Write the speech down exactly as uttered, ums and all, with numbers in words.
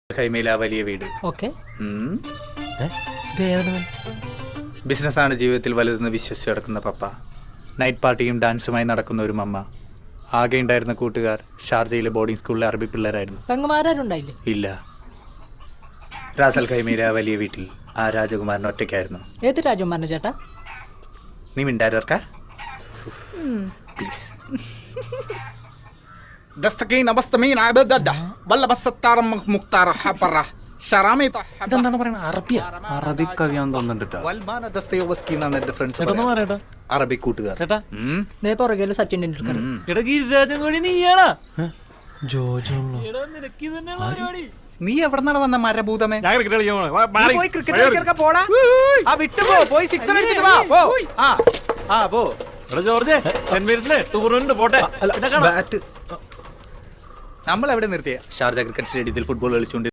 ഖൈമയിലെ ആ വലിയ വീട്. ഓക്കെ. ബിസിനസ്സാണ് ജീവിതത്തിൽ വലുതെന്ന് വിശ്വസിച്ച് നടക്കുന്ന പപ്പ, നൈറ്റ് പാർട്ടിയും ഡാൻസുമായി നടക്കുന്ന ഒരു മമ്മ, ആകെ ഉണ്ടായിരുന്ന കൂട്ടുകാർ ഷാർജയിലെ ബോർഡിംഗ് സ്കൂളിലെ അറബി പിള്ളേരായിരുന്നു. പെങ്ങന്മാരുണ്ടായില്ലേ? ഇല്ല. റാസൽ ഖൈമയിലെ ആ വലിയ വീട്ടിൽ ആ രാജകുമാരൻ ഒറ്റയ്ക്കായിരുന്നു. ഏത് രാജകുമാരൻ ചേട്ടാ? നീ മിണ്ടാരർക്കാ പ്ലീസ്. ഇതെന്താണ് പറയുന്നത്? അറബിയ? അറബിക് കവിയാൻ തോന്നുന്നുണ്ട്. അറബിക് കൂട്ടുകാർ. പുറകെ സച്ചിൻ ടെണ്ടുൽക്കർ. നീ എവിടെന്നാണ് വന്ന മരഭൂതമേ? നമ്മൾ എവിടെ നിർത്തിയ? ഷാർജ ക്രിക്കറ്റ് സ്റ്റേഡിയത്തിൽ ഫുട്ബോൾ കളിച്ചുകൊണ്ട്